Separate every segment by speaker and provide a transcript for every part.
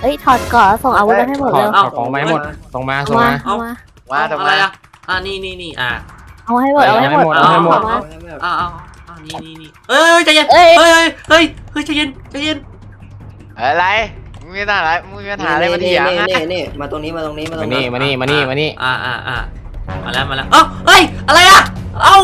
Speaker 1: อ้ยถอดก่อนส่งอาวุธมาให้หมดเลย
Speaker 2: เอาของมาให้หมดส่งมาส่งมา
Speaker 1: เอามา
Speaker 3: ว่าทำ
Speaker 4: อะ
Speaker 3: ไม
Speaker 4: ไรอ่ะนี่
Speaker 1: เอาให้หมดเอาให้หมด
Speaker 2: เอาให้หมด
Speaker 1: เอามา
Speaker 4: นี่เอ้ยใจเย็นเฮ้ยใจเย็นใจเย็น
Speaker 3: อะไรมึงมีปัญหาอะไรมึงมีปัญหาอะไรมาเถียงนะ
Speaker 5: นี่มาตรงนี้มาตรงนี้มาตรง
Speaker 2: มานี่
Speaker 5: นี้
Speaker 2: มานี่มานี่มานี่
Speaker 4: มาแล้วเอ้าเฮ้ยอะไรอ่ะเอ้า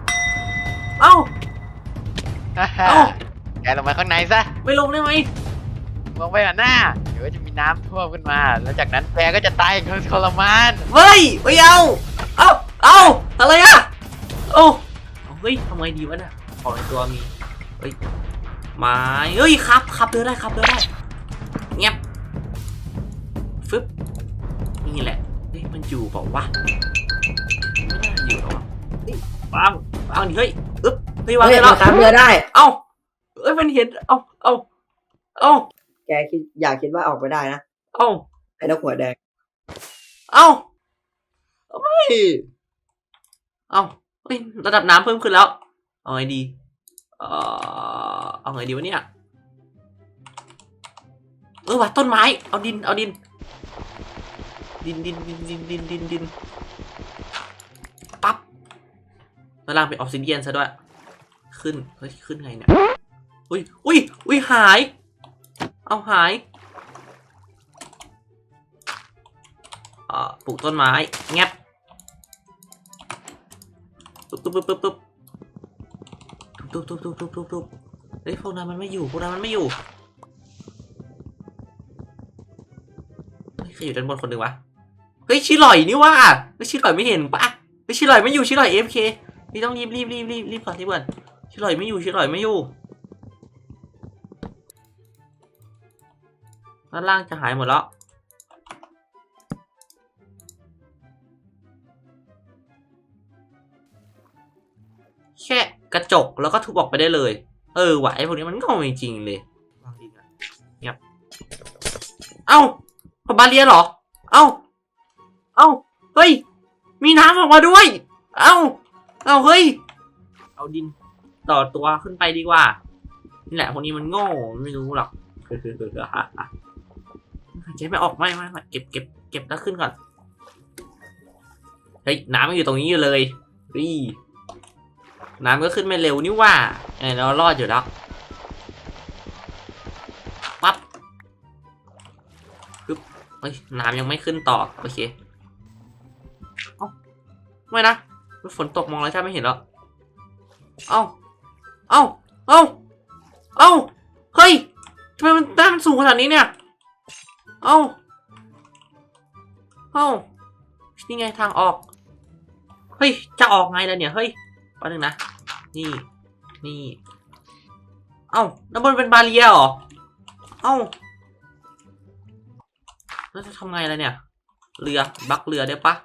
Speaker 3: แกลงมาข้างในซะ
Speaker 4: ไม่ลงได้ไหม
Speaker 3: ลงไปหน้าเดี๋ยวจะมีน้ำท่วมขึ้นมาแล้วจากนั้นแกก็จะตายอย่างทรมาน
Speaker 4: เฮ้ยไม่เอาอะไรอ่ะเฮ้ยทำไงดีวะเนี่ยของในตัวมีเฮ้ยไม้เฮ้ยครับเดินได้เงียบฟึบนี่แหละเฮ้ยมันอยู่เปล่าวะไม่น่าอยู่หรอกวางดิเฮ้ยอึ๊บเฮ้ยวางได้แล้ว
Speaker 5: ตามเรือได้
Speaker 4: เอ้าเอ้ยมันเห็นเอ้า
Speaker 5: แกอยากคิดว่าออกไปได้นะ
Speaker 4: เอ้า
Speaker 5: ไอ้นกหัวแดง
Speaker 4: เอ้าไม่เอ้าเฮ้ยระดับน้ำเพิ่มขึ้นแล้วเอาไงดีเอาไงดีวะเนี่ยว่ะต้นไม้เอาดินปั๊บแล้วล่างเป็นออกซิเดียนซะด้วยขึ้นไงเนี่ยอุ้ยหายเอาหายปลูกต้นไม้แงบตุ๊บเฮ้ยพวกนั้นมันไม่อยู่เฮ้ยใครอยู่ด้านบนคนหนึ่งวะเฮ้ยชิลอยนี่ว่าเฮ้ยชิลอยไม่เห็นปะเฮ้ยชิลอยไม่อยู่ชิลอย AFK นี่ต้องรีบก่อนที่เพื่อนชิลอยไม่อยู่ด้านล่างจะหายหมดแล้วแค่กระจกแล้วก็ทุบออกไปได้เลยว่ะไอ้พวกนี้มันโง่จริงๆเลยวางดินเงียบเอ้าบาเรียเหรอเอ้าเฮ้ยมีน้ำออกมาด้วยเอ้าเฮ้ยเอาดินต่อตัวขึ้นไปดีกว่านี่แหละพวกนี้มันโง่ไม่รู้หรอกเก็บไม่ออกไม่เก็บแล้วขึ้นก่อนเฮ้ยน้ำมันอยู่ตรงนี้อยู่เลยน้ำก็ขึ้นไม่เร็วนี่ว่าเรารอดอยู่แล้วปั๊บเฮ้ยน้ำยังไม่ขึ้นต่อโอเคไม่นะฝนตกมองแล้วใช่ไม่เห็นแล้วเฮ้ยทำไมมันสูงขนาดนี้เนี่ยนี่ไงทางออกเฮ้ยจะออกไงล่ะเนี่ยเฮ้ยแป๊บนึงนะนี่น้ำบนเป็นบาเรียเหรอแล้วจะทำไงล่ะเนี่ยเรือบักเรือได้ปะ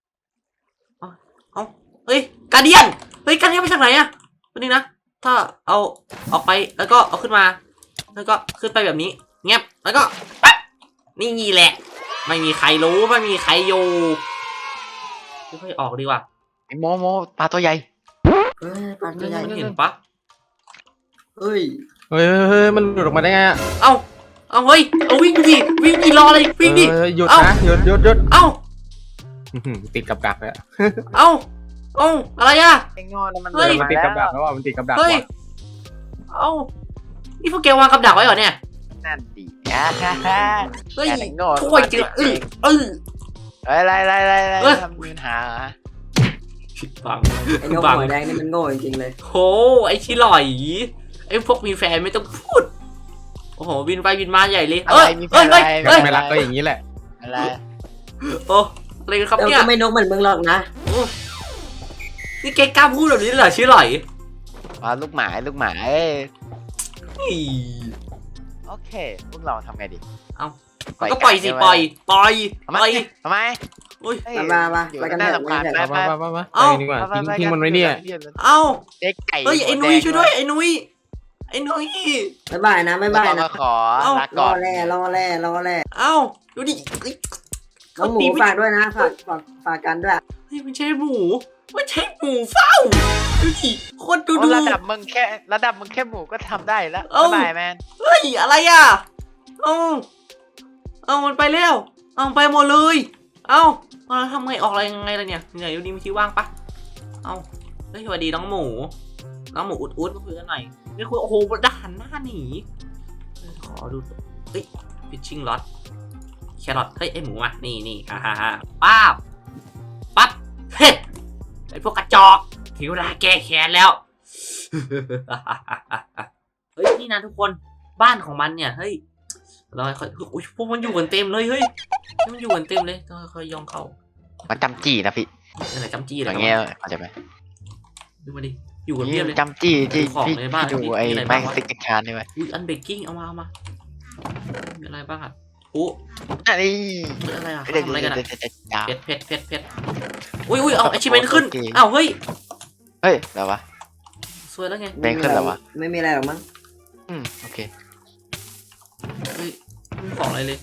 Speaker 4: เฮ้ยการเดียนมาจากไหนอะวันนี้นะถ้าเอาออกไปแล้วก็เอาขึ้นมาแล้วก็ขึ้นไปแบบนี้เงียบแล้วก็ปั๊บนี่แหละไม่มีใครรู้ไม่มีใครอยู่ค่อยออกดีกว่า
Speaker 3: ไอ้โมปลาตัวใหญ่
Speaker 5: ปลาตัวใหญ่
Speaker 4: เห็นปะ
Speaker 5: เฮ้ย
Speaker 2: มันหลุดออกมาได้ไงอ่ะ
Speaker 4: เฮ้ยวิ่งดิรอเลยวิ่งดิ
Speaker 2: หยุดนะหยุดติดกับดักเลย
Speaker 4: อะไรอ่ะ
Speaker 3: ไอ้งอนมัน
Speaker 2: มันติดกับดักแล้วมันติดกับดัก
Speaker 4: เฮ้ยนี่พวกแกวางกับดักไว้เหรอเนี่ย
Speaker 3: นั่นดิ
Speaker 4: เฮ้ย
Speaker 3: ไอ้งอน
Speaker 4: ช่วยเจอ
Speaker 3: อะไรทำมีปัญหา
Speaker 5: ไอ้นกหัวแดงนี่มันโง่จริงๆเลย
Speaker 4: โหไอ้ชิลอยไอ้พวกมีแฟนไม่ต้องพูดโอ้โหบินไปบินมาใหญ่เลย
Speaker 2: ไม่รักก็อย่างนี้แหละ
Speaker 3: อะไร
Speaker 4: อะไรกันครับเนี่ย
Speaker 5: ก็ไม่นกเหมือนมึงหรอกนะ
Speaker 4: นี่แกกล้าพูดแบบนี้เหรอชิลอย
Speaker 3: ลูกหมาโอเคพวกเราทำไงดี
Speaker 4: ก็ปล่อยสิปล่อย
Speaker 3: ทำไม
Speaker 5: มาไปกันเถอะ
Speaker 2: ไปดีกว่าทิ้งมันไว้เนี่ย
Speaker 4: เฮ้ยไอ้นุ้ยช่วยด้วยไอ้นุ้ย
Speaker 5: บ๊ายบายนะ
Speaker 3: ขอลาก่อน
Speaker 5: รอแร่
Speaker 4: ดูดิ
Speaker 5: น้องหมูฝากด้วยนะฝากกันด้วย
Speaker 4: เฮ้ยมันใช่หมูเฝ้าดูดิคนดู
Speaker 3: ระดับมึงแค่หมูก็ทำได้แล้วบ๊ายบายแมน
Speaker 4: เฮ้ยอะไรอ่ะเอามันไปแล้วเอาไปหมดเลยเอาทำไงออกอะไรยังไงล่ะเนี่ยเหนื่อยอยู่ดีมีที่ว่างปะเอาเฮ้ยสวัสดีน้องหมูอุดมาคุยกันหน่อยนี่คุยโอ้โหด่านหน้าหนีขอดูเฮ้ยฟิชชิ่งล็อตแครอทเฮ้ยไอหมูมานี่ฮ่าปั๊บเฮ้ยไอพวกกระจอกถึงเวลาแก้แค้นแล้ว เฮ้ยนี่นะทุกคนบ้านของมันเนี่ยเฮ้ยเราค่อยอุ้ยพวกมันอยู่กันเต็มเลยเฮ้ยมันอยู่กันเต็มเลยต้องค่อยย่องเข้า
Speaker 2: มันจำจี้นะพี่
Speaker 4: อะไรจำจี้
Speaker 2: อ
Speaker 4: อะไร
Speaker 2: ย่างเงี้ยเข้าใจไหม
Speaker 4: ดูมาดิอยู่กันเพียบเลย
Speaker 2: จำจี้ที่
Speaker 4: ของ
Speaker 2: พี่
Speaker 4: ในบ้าน
Speaker 2: ดู
Speaker 4: มี
Speaker 2: ไอ้
Speaker 4: อะไร
Speaker 2: ไม้
Speaker 4: บ้างวะ
Speaker 2: สติ๊กชานใช่ไหม
Speaker 4: อุ้ยอันเบกกิ้งเอามามีอะไรบ้างอ่ะโอ้
Speaker 2: อันนี้
Speaker 4: อะไรอ่ะ
Speaker 2: เดี๋ยว
Speaker 4: ทำอะไรกันอ่ะ
Speaker 2: เดี๋ยว
Speaker 4: เพชรอุ้ยเอาไอชิเมนขึ้นอ้าวเฮ้ย
Speaker 2: เฮ้ยแล้ววะ
Speaker 4: สวยแล้วไง
Speaker 2: แบงค์ขึ้นแล้ววะ
Speaker 5: ไม่มีอะไรหรอกมั้ง
Speaker 2: โอเค
Speaker 4: เฮ้ยไม่มีของอะไรเลย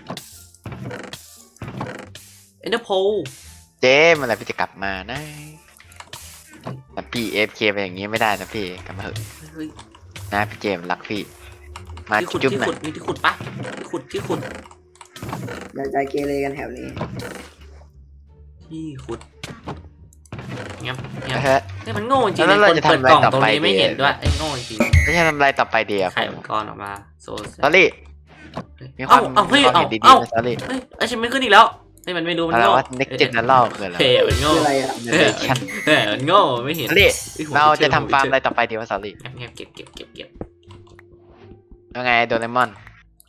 Speaker 4: เอ็นเดอร์โพ
Speaker 2: เจ๊เมื่อไหร่พี่จะกลับมานะแต่พี่AFKไปอย่างงี้ไม่ได้นะพี่กลับมาเถอะ
Speaker 4: เฮ้ย
Speaker 2: นะพี่เจมส์รักพี่มา
Speaker 4: ที่ขุด
Speaker 2: จุ๊บ
Speaker 4: ที่
Speaker 2: หน่
Speaker 4: ขุ
Speaker 2: อ
Speaker 4: ด
Speaker 2: ย
Speaker 4: มีที่ขุดปะที่ขุด
Speaker 5: อย่าใจเกเรกันแถวนี้
Speaker 4: ที่ขุดเงี้ย
Speaker 2: เฮ้ย
Speaker 4: นี่มันโง่จริง
Speaker 2: แล้
Speaker 4: เล
Speaker 2: วย เรา
Speaker 4: คน
Speaker 2: จะ
Speaker 4: เปิด
Speaker 2: ทำอะไร
Speaker 4: กล่อง
Speaker 2: ต่อ
Speaker 4: ตรง
Speaker 2: ไป
Speaker 4: นี้ไม่
Speaker 2: ดี
Speaker 4: เห็นด้วยไอ้โง่จริง
Speaker 2: ไม่ใช่ทำอะไรต่อไปเดียว
Speaker 4: ไข่มังกรออกมาโซ
Speaker 2: ซอรี่มีความ
Speaker 4: เอาเฮ้ย
Speaker 2: ความ
Speaker 4: เอา
Speaker 2: เห็นดี
Speaker 4: เอา
Speaker 2: ๆนะซอรี่
Speaker 4: เฮ้ยไอชิมไม่ขึ้นอีกแล้วเฮ้ยมันไม่รู้มัน
Speaker 2: อะไร
Speaker 4: โง่
Speaker 2: วะ next general คืออะไร
Speaker 4: เฮ้ยมันโง่
Speaker 5: คืออะไรอ่ะ
Speaker 4: เฮ้ยมันโง่ไม่เห็น
Speaker 2: ซอรี่เราจะทำฟาร์มอะไรต่อไปดีวะซอรี่
Speaker 4: เก็บเก็บ
Speaker 2: ยังไงโดเรมอน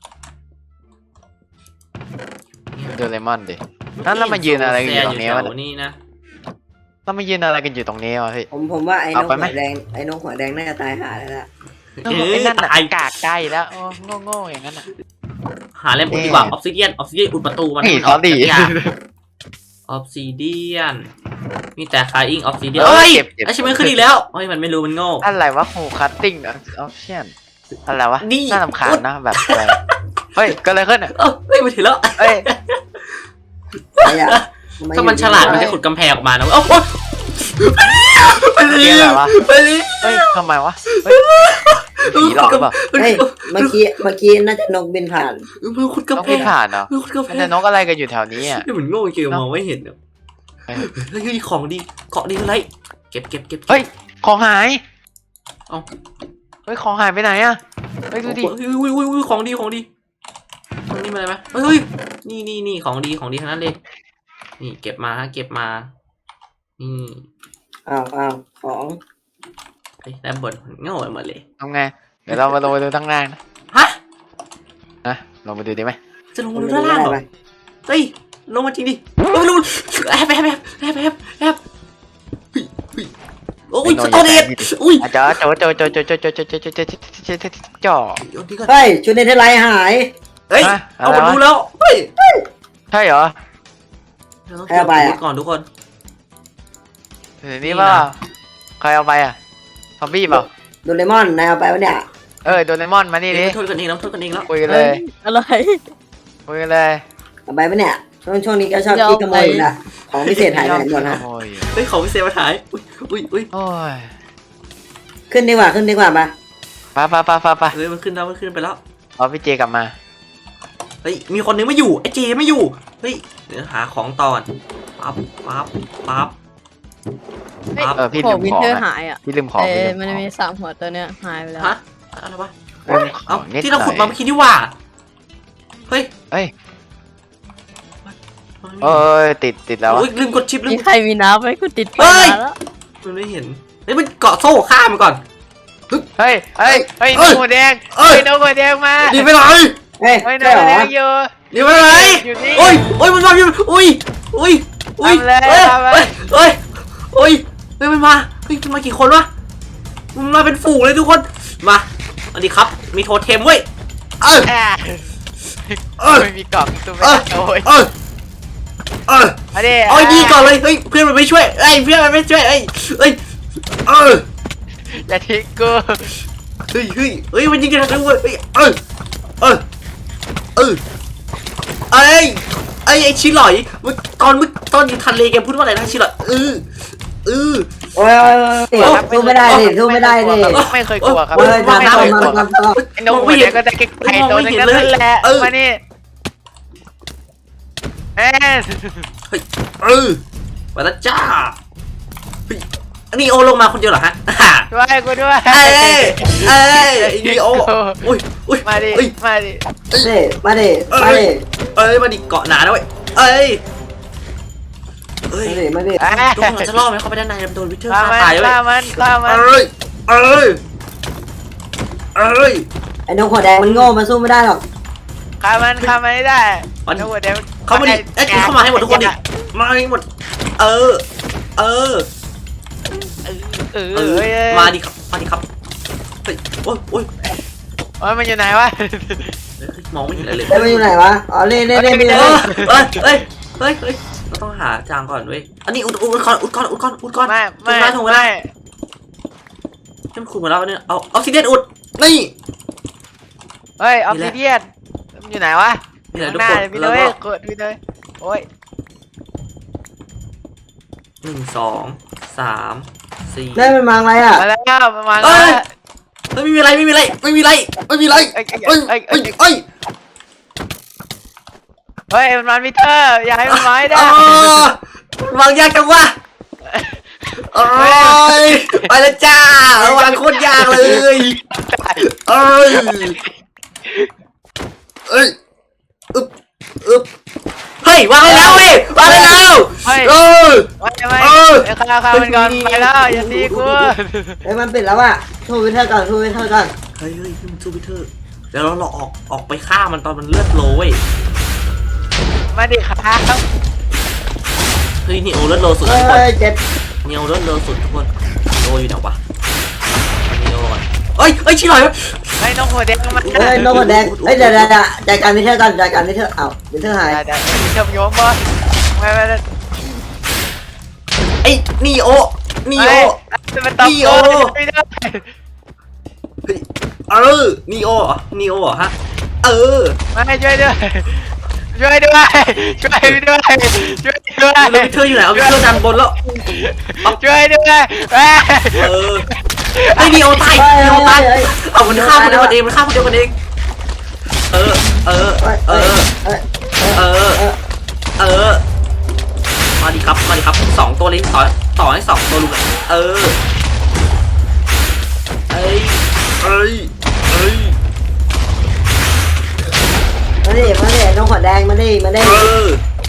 Speaker 2: โดเรมอนดินั่นเรามายืนอะไรกันอยู่ตรงนี้วะ
Speaker 4: นี่นะ
Speaker 2: เรามายืนอะไรกันอยู่ตรงนี้วะพี่
Speaker 5: ผมว่าไอ้น
Speaker 2: เอา
Speaker 5: ก
Speaker 2: ไป
Speaker 5: หั
Speaker 2: ไหม
Speaker 5: วแดงไอ้นกหัวแดงน่าจะตายหาแล้วล่ะ
Speaker 2: ไอ้นั่นน่ะกากใจแล้วโง่ๆอย่างนั้นน่ะ
Speaker 4: หาเล่มอุดดีกว่าออฟซิเดียนอุดประตูมัน
Speaker 2: นี่
Speaker 4: มัน
Speaker 2: ซอรี่
Speaker 4: ออฟซิเดียนมีแต่คาอิงออฟซิเดียน
Speaker 2: เอ้
Speaker 4: เฮ้
Speaker 2: ย
Speaker 4: ย
Speaker 2: เก็บ
Speaker 4: ไอชิมไม่ขึ้นอีกแล้วเฮ้ยมันไม่รู้มันโง่
Speaker 2: อะไรวะโฮคัตติ้งออฟเชียนอะไรวะ
Speaker 4: นี่
Speaker 2: น่าสำคัญนะแบบอะไรเฮ้ยก็เลยขึ้นอ่ะ
Speaker 4: เฮ้ยมาถึงแล้ว
Speaker 2: เอ้ย
Speaker 5: ไอ้อะ
Speaker 4: ถ้ามันฉลาดมันจะขุดกำแพงออกมานะโอ้โหไป
Speaker 2: เกี่ยวอะไรวะ
Speaker 4: ไปเลย
Speaker 2: เฮ้ยทำไมวะเฮ้ยผีหลอกหรือเปล่า
Speaker 5: เฮ้ยเมื่อกี้น่าจะนกบินผ่าน
Speaker 4: มันขุด
Speaker 2: นก
Speaker 4: กำแพ
Speaker 2: ไม่
Speaker 4: ง
Speaker 2: ผ่านเหรอ
Speaker 4: มันขุดกำแพ
Speaker 2: มัน
Speaker 4: ง
Speaker 2: จะนกอะไรกันอยู่แถวนี้อ่ะ
Speaker 4: นี่เหมือนโง่จริงมองไม่เห็นเนี่ย
Speaker 2: เฮ้ย
Speaker 4: เฮ้ยของดีเกาะดีอะไรเก็บ
Speaker 2: เฮ้ยของหาย
Speaker 4: เอ้า
Speaker 2: เฮ้ยของหายไปไหนอ่ะเฮ้ยดูดิ
Speaker 4: อุ้ยของดีตรงนี้มีอะไรไหมเฮ้ยนี่ของดีทั้งนั้นเลยนี่เก็บมานี่
Speaker 5: อ้าวของ
Speaker 4: ไอ้แล้วบนโง่ไปหมดเลย
Speaker 2: ทำไงเดี๋ยวเรามาลงไปดูข้างล่างนะ
Speaker 4: ฮะ
Speaker 2: นะลงไปดูดีไหม
Speaker 4: จะลงมาดูด้านล่างเหรอเฮ้ยลงมาจริงดิลงแอบโอ้ยสตอเดตอุ้ย
Speaker 2: จ่อจ่อ
Speaker 4: ดีก่อน
Speaker 5: เฮ้ยชุดเนเธอร์ไลน์หาย
Speaker 4: เฮ้ยเอามาดูแล้วเฮ้ย
Speaker 2: ใช่เหรอ
Speaker 4: เราต้องเก็บอาวุธก่อนทุกคน
Speaker 2: เดี๋ยวนี้ว่าใครเอาไปอ่ะซอมบี้เปล่า
Speaker 5: โดเรมอนนายเอาไปวะเนี่ย
Speaker 2: โดเรมอนมานี่ดิ
Speaker 4: โทษกันเองแล้วโทษกันเองแล้ว
Speaker 2: คุยกันเลย
Speaker 1: อะไร
Speaker 2: คุยกันเลย
Speaker 5: เอาไปวะเนี่ยช่วงนี้ก็ชอบขี้ขโมยอยู่ละของพิเศษหายไปไหนหมดฮะ
Speaker 2: โอ้ย
Speaker 4: เฮ้ยของพิเศษมาถ่ายอุ้ย
Speaker 2: โอ้ย
Speaker 5: ขึ้นดีกว่าปะ
Speaker 2: ไป
Speaker 4: เฮ้ยมันขึ้นไปแล้ว
Speaker 2: รอพี่เจกลับมา
Speaker 4: เฮ้ยมีคนนึงไม่อยู่ไอ้เจไม่อยู่เฮ้ยเดี๋ยวหาของตอนปั๊บ
Speaker 2: พี่
Speaker 1: ข
Speaker 2: ลื
Speaker 1: อง
Speaker 2: ม
Speaker 1: วิน
Speaker 2: ของ
Speaker 1: เทอร์
Speaker 2: อะ
Speaker 1: หายอ่ะ
Speaker 2: พี่ลืมของพี่ลืม
Speaker 1: มัน
Speaker 2: ของ
Speaker 1: มี3 หัวตัวเนี้ยหายไปแล้ว
Speaker 4: ฮะอะไรวะ
Speaker 2: ลืมขอ
Speaker 4: เอ้าง
Speaker 2: นิด
Speaker 4: ที่
Speaker 2: ห
Speaker 4: เรา
Speaker 2: น่
Speaker 4: ขุดมา
Speaker 2: อย
Speaker 4: เมื่อกี้นี่ว่าเฮ้ย
Speaker 2: เอ้ยติดแล้ว
Speaker 4: โอ้ยลืมกดชิปลื
Speaker 1: มี
Speaker 4: ม
Speaker 1: ใครมีน้ำไหมกูติดไป
Speaker 4: เฮ้ย
Speaker 1: นานแล้ว
Speaker 4: มันไม่เห็นเฮ้ยมันเกาะโซ่ฆ่ามันก่อน
Speaker 2: เฮ้ยนกหัวแดงนกหัวแดงมา
Speaker 4: ดีไปไหน
Speaker 5: เฮ้ย
Speaker 2: น
Speaker 5: ใช่
Speaker 2: ก
Speaker 5: เหร
Speaker 2: หัวแด
Speaker 5: อง
Speaker 2: อยู่
Speaker 4: ดีไปไหน
Speaker 2: อยู่นี่
Speaker 4: โอ้ยมันมาอยู่อุ้ยมันมาเฮ้ยมันมากี่คนวะมันมาเป็นฝูงเลยทุกคนมาสวัสดีครับมีโทเทมเว้ย
Speaker 2: ไม่มีกล่องตัวไม่โอ้ยมาดิ
Speaker 4: เอาดีก่อนเลยเฮ้ยเพื่อนมันไม่ช่วยเพื่อนมันไม่ช่วย
Speaker 2: อย่าทิ้งกู
Speaker 4: เฮ้ยมันยิงกันทั้งวันไอ้ชิหลอยตอนอยู่ทะเลแกพูดว่าอะไรนะชิหลอย
Speaker 5: โอ้ยสู้ไม่ได้ดิ
Speaker 2: ไม่เคยกลัวครับ
Speaker 5: เฮ้ย
Speaker 2: ไม่เคยกลัว
Speaker 5: มา
Speaker 2: ไอ้นกหัวแดงก็จะเก็บไข่ตัวนึงนั่นแหละมานี่
Speaker 3: แอน
Speaker 4: เออไปแล้วจ้าเฮ้ยนีโอลงมาคนเดียวเหรอฮะ
Speaker 3: ช่วยกูด้วย
Speaker 4: เอ้ยเอ้ยนีโออุ้ยอุ้ย
Speaker 3: มาดิ
Speaker 4: เอ้ย
Speaker 3: มาดิ
Speaker 5: มาดิ
Speaker 4: เอ้ยมาดิเกาะหนาด้วยเอ้ยเอ้ย
Speaker 5: มาดิ
Speaker 4: ทุกคนจะรอดไหมเขาไปด้านในโดนวิเทอร์
Speaker 3: ฆ่า
Speaker 4: ฆ่า
Speaker 3: มัน
Speaker 4: ตายเลย
Speaker 3: ฆ่ามันฆ่ามัน
Speaker 4: เอ้ยเอ้ยเอ้ย
Speaker 5: ไอ้นกหัวแดงมันโง่มันสู้ไม่ได้หรอก
Speaker 3: ฆ่ามันไม่ได้
Speaker 4: มัน
Speaker 3: แล้วหัวเดี๋ยว
Speaker 4: เขามาดิเอ้ยเข้ามาให้หมดทุกคนดิมาให้หมดเออเออ
Speaker 3: เออ
Speaker 4: เออ
Speaker 3: เอ้ย
Speaker 4: มาดิครับมาดิครับเฮ้ยโอ้ยโอ้ย
Speaker 3: โอ้ยมันอยู่ไหนวะ
Speaker 4: มองไม่เห็นอะไรเลย
Speaker 5: เล่นมันอยู่ไหนวะอ๋อเล่น
Speaker 4: เฮ้ยเฮ้ยเราต้องหาจางก่อนเว้ยอันนี้อุดก่อน
Speaker 3: ไม่
Speaker 4: ถูกไหมให้มันขุดมาแล้วเนี่ยเอาออกซิเดนอุดนี่
Speaker 3: เฮ้ยออฟซิเดียนมันอยู่ไหนวะ
Speaker 4: นี่แหละ
Speaker 3: ข้าง
Speaker 4: ทุก
Speaker 3: หน้า
Speaker 4: คน
Speaker 3: เลยพี่
Speaker 4: แล้ว
Speaker 3: เลย
Speaker 4: ก็
Speaker 3: กดพี่เลยโอ้ย
Speaker 4: 1 2 3 4
Speaker 5: เล่นมันมาอะไรอ่ะ
Speaker 3: มาแล้วมา
Speaker 4: เอ้
Speaker 3: แล้ว
Speaker 4: ย ไม่มีอะไร
Speaker 3: เฮ้ยมันมามิเตอร์อย่าให้มันมาให้ได้
Speaker 4: วางยากจังวะโอ้ยไปแล้วจ้าวางโคตรยากเลยเอ้ยอึบเฮ้ยวางได้แล้วเว้ยวางได้แล้ว
Speaker 3: เฮ้ย
Speaker 4: เออ
Speaker 3: ไม่ฆ่ามันก่อนไปแล้วอย่าตีกู
Speaker 5: เฮ้ยมันปิดแล้วอ่ะทูวิเทอร์ก่อน
Speaker 4: เฮ้ยมันซูบิเทอร์เดี๋ยวเราออกไปฆ่ามันตอนมันเลือดโลเว้ย
Speaker 3: มาดิครับ
Speaker 4: เฮ้ยนี่โอเลือดโลสุด
Speaker 5: เฮ้
Speaker 4: ทุกคน
Speaker 5: ยเจ็บ
Speaker 4: นี่โอเลือดโลสุดทุกคนโลอยู่ไหนวะนี่โอก่อนเฮ้ยชิลอย
Speaker 3: ไอ้น้องหัวแดงมัน
Speaker 5: เฮ้ยนกหัวแดงเฮ้ยเดี๋ยวจัดการวิเทอร์ก่อนจัดการวิเทอร์เอ้าวิเทอร์หาย
Speaker 3: เดี๋ยวเชื่อมโยงบอลไม่
Speaker 4: ไอ้นี่โอ
Speaker 3: มันตบโตไม่ได้
Speaker 4: เออนี่โอฮะเออ
Speaker 3: ไม่ช่วยด้วยช่วยพี่ด้วย
Speaker 4: แล้ววิเทอร์อยู่ไหนเอาวิเทอร์ดันบนแล้ว
Speaker 3: ช่วยด้วย
Speaker 4: เออไอ้นี่โอตายเอามันฆ่าคนเดียวกันเองเออมาดิครับ2ตัวเลยต่อให้2ตัวลุงเออเอ้ย
Speaker 5: มาดินกหัวแดงมาดิ
Speaker 4: เออ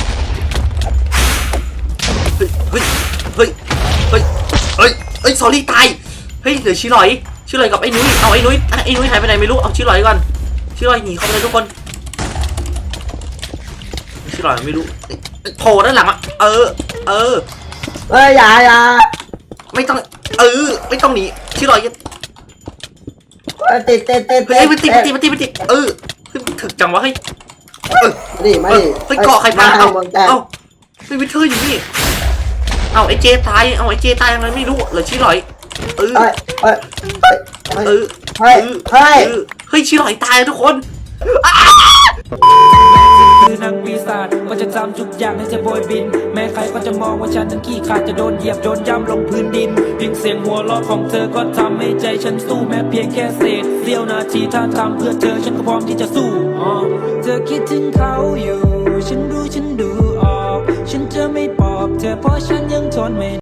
Speaker 4: เฮ้ยซอรี่ตายเฮ้ยเหลือชิลอยกับไอ้นุ้ยเอาไอ้นุ้ยหายไปไหนไม่รู้เอาชิลอยก่อนชิลอยหนีเข้าไปเลยทุกคนชิลอยไม่รู้โผล่ด้านหลังอ่ะเออ
Speaker 5: เฮ้ยอย่า
Speaker 4: ไม่ต้องไม่ต้องหนีชิลอย
Speaker 5: ติด
Speaker 4: เฮ้ยมันติดเออถึกจังวะเฮ้ย
Speaker 5: มาดิ
Speaker 4: เฮ้ยเกาะใครปาเอ้าไม่วิเทอร์อยู่นี่เอาไอ้เจตายยังไงไม่รู้เหลือชิลอยเฮ้ยชิลอยตายทุกคน
Speaker 6: คือนางปีศาจก็จะจำทุกอย่างให้จะโบยบินแม้ใครก็จะมองว่าฉันนั้นขี้ขาดจะโดนเหยียบโดนย่ำลงพื้นดินเพียงเสียงหัวเราะของเธอก็ทำให้ใจฉันสู้แม้เพียงแค่เศษเสี้ยวนาทีถ้าทำเพื่อเธอฉันก็พร้อมที่จะสู้เธอคิดถึงเขาอยู่ฉันรู้ฉันดูออกฉันจะไม่ปลอบเธอเพราะฉันยังทนไม่